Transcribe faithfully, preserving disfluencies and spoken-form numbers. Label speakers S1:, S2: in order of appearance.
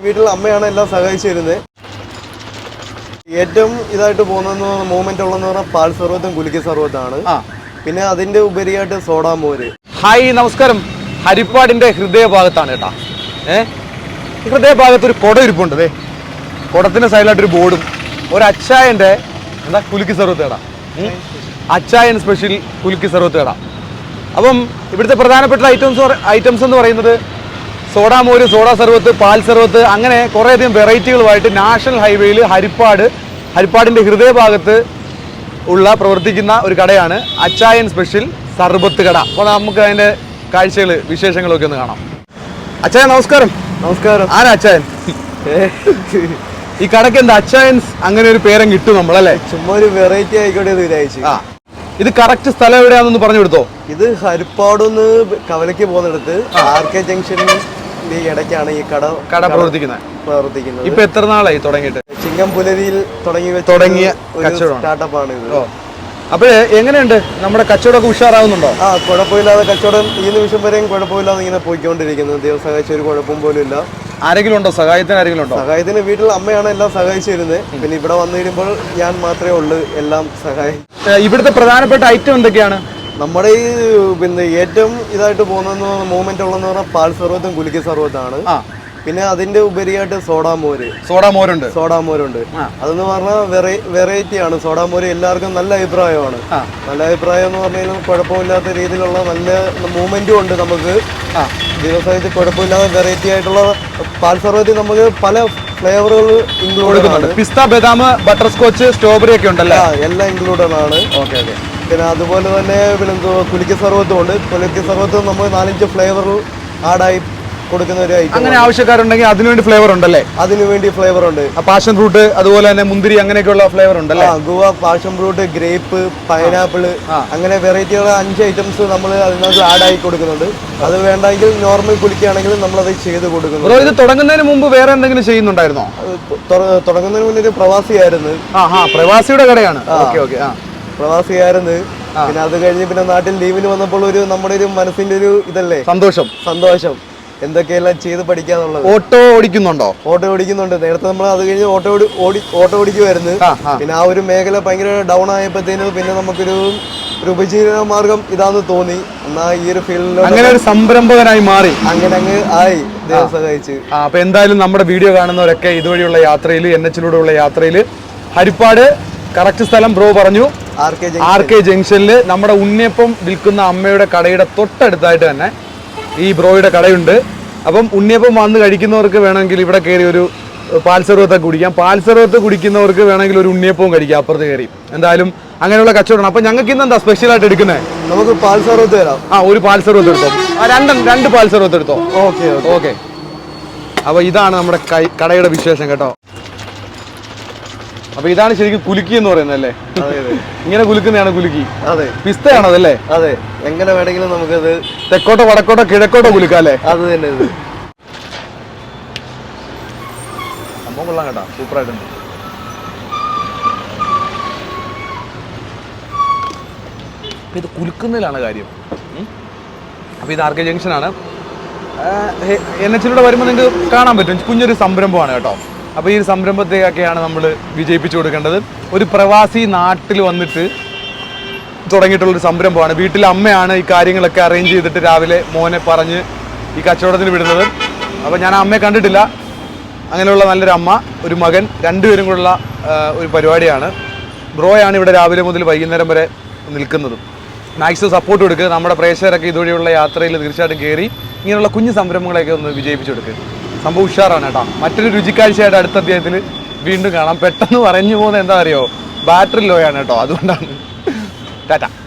S1: വീട്ടിൽ അമ്മയാണ് എല്ലാം സഹായിച്ചു തരുന്നത്. ഏറ്റവും ഇതായിട്ട് പോകുന്ന മൂവ്മെന്റ് ഉള്ളതെന്ന് പറഞ്ഞാൽ പാൽ സർവത്തും കുലുക്കി സർവത്താണ്. പിന്നെ അതിന്റെ ഉപരിയായിട്ട് സോഡാ മോര്.
S2: ഹായ് നമസ്കാരം. ഹരിപ്പാടിന്റെ ഹൃദയഭാഗത്താണ് കേട്ടാ. ഏഹ് ഹൃദയഭാഗത്ത് ഒരു കുട ഇരിപ്പുണ്ട്. അതെ, കുടത്തിന്റെ സൈഡിലായിട്ടൊരു ബോർഡും ഒരു അച്ചായന്റെ എന്താ കുലുക്കി സർവത്ത് കട, അച്ചായൻ സ്പെഷ്യൽ കുലുക്കി സർവത്ത് കട. അപ്പം ഇവിടുത്തെ പ്രധാനപ്പെട്ട ഐറ്റംസ് ഐറ്റംസ് എന്ന് പറയുന്നത് സോഡാ മോര്, സോഡാ സർവത്ത്, പാൽ സർവത്ത്, അങ്ങനെ കുറേയധികം വെറൈറ്റികളുമായിട്ട് നാഷണൽ ഹൈവേയിൽ ഹരിപ്പാട് ഹരിപ്പാടിൻ്റെ ഹൃദയഭാഗത്ത് ഉള്ള പ്രവർത്തിക്കുന്ന ഒരു കടയാണ് അച്ചായൻ സ്പെഷ്യൽ സർബത്ത് കട. അപ്പോൾ നമുക്ക് അതിൻ്റെ കാഴ്ചകൾ വിശേഷങ്ങളൊക്കെ ഒന്ന് കാണാം. അച്ചായൻ നമസ്കാരം.
S1: നമസ്കാരം.
S2: ആരാ അച്ചായൻ? ഈ കടയ്ക്ക് എന്താ അച്ചായൻസ് അങ്ങനെ ഒരു പേരം കിട്ടും നമ്മളല്ലേ?
S1: ചുമ്മാ ഒരു വെറൈറ്റി ആയിക്കോട്ടെ എന്ന് വിചാരിച്ചു.
S2: ആ, ഇത് കറക്റ്റ് സ്ഥലം എവിടെയാണെന്ന് പറഞ്ഞു കൊടുത്തോ?
S1: ഇത് ഹരിപ്പാടുന്ന് കവലയ്ക്ക് പോകുന്നിടത്ത് ആർ കെ ജംഗ്ഷനിൽ ഇടയ്ക്കാണ് ഈ കട
S2: കട പ്രവർത്തിക്കുന്നത്
S1: പ്രവർത്തിക്കുന്നത്
S2: ഇപ്പൊ എത്ര നാളായി തുടങ്ങിയിട്ട്?
S1: ചിങ്ങംപുലരിയിൽ തുടങ്ങി
S2: തുടങ്ങിയ കച്ചവടം
S1: സ്റ്റാർട്ടപ്പാണ് ഇത്.
S2: അപ്പോഴേ എങ്ങനെയുണ്ട് നമ്മുടെ കച്ചവടമൊക്കെ ഉഷാറാവുന്നുണ്ടോ?
S1: ആ, കുഴപ്പമില്ലാതെ കച്ചവടം ഈ നിമിഷം വരെയും കുഴപ്പമില്ലാതെ ഇങ്ങനെ പോയിക്കൊണ്ടിരിക്കുന്നത്. ദൈവം സഹായിച്ച ഒരു കുഴപ്പം പോലും ഇല്ല.
S2: ആരെങ്കിലും ഉണ്ടോ സഹായത്തിന്? ആരെങ്കിലും ഉണ്ടോ
S1: സഹായത്തിന്? വീട്ടിൽ അമ്മയാണ് എല്ലാം സഹായിച്ചു തരുന്നത്. പിന്നെ ഇവിടെ വന്നു കഴിയുമ്പോൾ ഞാൻ മാത്രമേ ഉള്ളൂ എല്ലാം സഹായം.
S2: ഇവിടുത്തെ പ്രധാനപ്പെട്ട ഐറ്റം എന്തൊക്കെയാണ്?
S1: നമ്മുടെ ഈ പിന്നെ ഏറ്റവും ഇതായിട്ട് പോകുന്ന മൂവ്മെന്റ് ഉള്ളതെന്ന് പറഞ്ഞാൽ പാൽ സർവത്തും കുലുക്കി സർവത്താണ്. പിന്നെ അതിന്റെ ഉപരിയായിട്ട് സോഡാ മോര്.
S2: സോഡാ മോരുണ്ട്.
S1: സോഡാ മോരുണ്ട്. അതെന്ന് പറഞ്ഞാൽ വെറൈറ്റി ആണ്. സോഡാ മോര് എല്ലാവർക്കും നല്ല അഭിപ്രായമാണ്. നല്ല അഭിപ്രായം എന്ന് പറഞ്ഞു കഴിഞ്ഞാൽ കുഴപ്പമില്ലാത്ത രീതിയിലുള്ള നല്ല മൂവ്മെന്റും ഉണ്ട് നമുക്ക്. ദിവസമായിട്ട് കുഴപ്പമില്ലാതെ വെറൈറ്റി ആയിട്ടുള്ള പാൽ സർവത്തിൽ നമുക്ക് പല ഫ്ലേവറുകൾ ഇൻക്ലൂഡഡ് ആണ്.
S2: പിസ്ത, ബദാം, ബട്ടർ സ്കോച്ച്, സ്ട്രോബെറി ഒക്കെ ഉണ്ടല്ലോ,
S1: എല്ലാം ഇൻക്ലൂഡഡ് ആണ്.
S2: Okay okay.
S1: പിന്നെ അതുപോലെ തന്നെ പിന്നെ കുലുക്കി സർവത്തും ഉണ്ട്. കുലുക്കി സർവത്തും നമ്മൾ നാലഞ്ച് ഫ്ലേവറിൽ ആഡായി കൊടുക്കുന്ന ഒരു ഐറ്റം.
S2: അങ്ങനെ ആവശ്യക്കാരുണ്ടെങ്കിൽ അതിനുവേണ്ടി ഫ്ലേവർ ഉണ്ടല്ലേ?
S1: അതിനുവേണ്ടി ഫ്ലേവർ ഉണ്ട്.
S2: പാഷൻ ഫ്രൂട്ട്, അതുപോലെ തന്നെ മുന്തിരി, അങ്ങനെയൊക്കെയുള്ള ഫ്ലേവർ ഉണ്ടല്ലേ?
S1: Guava, passion fruit, grape, pineapple, അങ്ങനെ വെറൈറ്റിയുള്ള അഞ്ച് ഐറ്റംസ് നമ്മൾ അതിനകത്ത് ആഡായി കൊടുക്കുന്നുണ്ട്. അത് വേണ്ടെങ്കിൽ നോർമൽ കുലുക്കിയാണെങ്കിൽ നമ്മളത് ചെയ്ത് കൊടുക്കുന്നു.
S2: ഇത് തുടങ്ങുന്നതിന് മുമ്പ് വേറെ എന്തെങ്കിലും ചെയ്യുന്നുണ്ടായിരുന്നോ?
S1: തുടങ്ങുന്നതിന് മുന്നേ ഒരു പ്രവാസിയായിരുന്നു.
S2: ആ, പ്രവാസിയുടെ കടയാണ്. Okay okay. ആ,
S1: പ്രവാസിയായിരുന്നു. പിന്നെ അത് കഴിഞ്ഞ് പിന്നെ നാട്ടിൽ ലീവിന് വന്നപ്പോൾ ഒരു നമ്മുടെ ഒരു മനസ്സിന്റെ ഒരു ഇതല്ലേ, സന്തോഷം സന്തോഷം എന്തൊക്കെയെല്ലാം ചെയ്ത് പഠിക്കാന്നുള്ളത്.
S2: ഓട്ടോ ഓടിക്കുന്നുണ്ടോ?
S1: ഓട്ടോ ഓടിക്കുന്നുണ്ട്. നേരത്തെ നമ്മൾ അത് കഴിഞ്ഞ് ഓട്ടോ ഓടി ഓട്ടോ ഓടിക്കുമായിരുന്നു. പിന്നെ ആ ഒരു മേഖല ഭയങ്കര ഡൗൺ ആയപ്പോഴത്തേനും പിന്നെ നമുക്കൊരു ഒരു ഉപജീവന മാർഗം ഇതാന്ന് തോന്നി. എന്നാ ഈ ഒരു ഫീൽഡിൽ
S2: അങ്ങനെ ഒരു സംരംഭകനായി മാറി.
S1: അങ്ങനെ അങ്ങ് ആയി, ദൈവം സഹായിച്ച്.
S2: അപ്പൊ എന്തായാലും നമ്മുടെ വീഡിയോ കാണുന്നവരൊക്കെ ഇതുവഴിയുള്ള യാത്രയിൽ, എൻ എച്ചിലൂടെയുള്ള യാത്രയിൽ ഹരിപ്പാട് കറക്റ്റ് സ്ഥലം ബ്രോ പറഞ്ഞു, ആർ കെ ജംഗ്ഷനിൽ നമ്മുടെ ഉണ്ണിയപ്പം വിൽക്കുന്ന അമ്മയുടെ കടയുടെ തൊട്ടടുത്തായിട്ട് തന്നെ ഈ ബ്രോയുടെ കടയുണ്ട്. അപ്പം ഉണ്ണിയപ്പം വന്ന് കഴിക്കുന്നവർക്ക് വേണമെങ്കിൽ ഇവിടെ കയറി ഒരു പാൽ സർവത്തൊക്കെ കുടിക്കാം. പാൽ സർവത്ത് കുടിക്കുന്നവർക്ക് വേണമെങ്കിൽ ഒരു ഉണ്ണിയപ്പവും കഴിക്കാം അപ്പുറത്ത് കയറി. എന്തായാലും അങ്ങനെയുള്ള കച്ചവടമാണ്. അപ്പൊ ഞങ്ങൾക്ക് ഇന്ന് എന്താ സ്പെഷ്യലായിട്ട് എടുക്കുന്നത്?
S1: നമുക്ക് പാൽ സർവത്ത് തരാം.
S2: ആ, ഒരു പാൽ സർവത്ത് എടുത്തോ. രണ്ട് രണ്ട് പാൽ സർവത്ത് എടുത്തോ.
S1: Okay
S2: okay. അപ്പൊ ഇതാണ് നമ്മുടെ കടയുടെ വിശേഷം കേട്ടോ. അപ്പൊ ഇതാണ് ശരിക്കും കുലുക്കി എന്ന് പറയുന്നത് അല്ലേ? ഇങ്ങനെ കുലുക്കുന്നതാണ് കുലുക്കി.
S1: അതെ,
S2: പിസ്തയാണോ അതല്ലേ?
S1: അതെ, എങ്ങനെ വേണമെങ്കിലും നമുക്കത്
S2: തെക്കോട്ടോ വടക്കോട്ടോ കിഴക്കോട്ടോ കുലുക്കാം അല്ലേ?
S1: അത് തന്നെ. ഇത്
S2: സംഭവം കൊള്ളാം കേട്ടോ, സൂപ്പറായിട്ടുണ്ട്. അപ്പൊ ഇത് കുലുക്കുന്നതിലാണ് കാര്യം. അപ്പൊ ഇത് ആർ കെ ജംഗ്ഷനാണ്. എൻ എച്ചിലൂടെ വരുമ്പോൾ നിങ്ങൾക്ക് കാണാൻ പറ്റും, കുഞ്ഞൊരു സംരംഭമാണ് കേട്ടോ. അപ്പോൾ ഈ സംരംഭത്തെയൊക്കെയാണ് നമ്മൾ വിജയിപ്പിച്ചു കൊടുക്കേണ്ടത്. ഒരു പ്രവാസി നാട്ടിൽ വന്നിട്ട് തുടങ്ങിയിട്ടുള്ളൊരു സംരംഭമാണ്. വീട്ടിലെ അമ്മയാണ് ഈ കാര്യങ്ങളൊക്കെ അറേഞ്ച് ചെയ്തിട്ട് രാവിലെ മോനെ പറഞ്ഞ് ഈ കച്ചവടത്തിന് വിടുന്നത്. അപ്പോൾ ഞാൻ ആ അമ്മയെ കണ്ടിട്ടില്ല. അങ്ങനെയുള്ള നല്ലൊരു അമ്മ, ഒരു മകൻ, രണ്ടുപേരും കൂടെയുള്ള ഒരു പരിപാടിയാണ്. ബ്രോയാണ് ഇവിടെ രാവിലെ മുതൽ വൈകുന്നേരം വരെ നിൽക്കുന്നത്. മാക്സിമം സപ്പോർട്ട് കൊടുക്കുക. നമ്മുടെ പ്രേക്ഷകരൊക്കെ ഇതുവഴിയുള്ള യാത്രയിൽ തീർച്ചയായിട്ടും കയറി ഇങ്ങനെയുള്ള കുഞ്ഞു സംരംഭങ്ങളെയൊക്കെ ഒന്ന് വിജയിപ്പിച്ചെടുക്കുക. സംഭവം ഉഷാറാണ് കേട്ടോ. മറ്റൊരു രുചിക്കാഴ്ചയായിട്ട് അടുത്ത അധ്യായത്തിൽ വീണ്ടും കാണാം. പെട്ടെന്ന് പറഞ്ഞു പോകുന്നത് എന്താ അറിയോ, ബാറ്ററി ലോയാണ് കേട്ടോ, അതുകൊണ്ടാണ്. ടാറ്റ.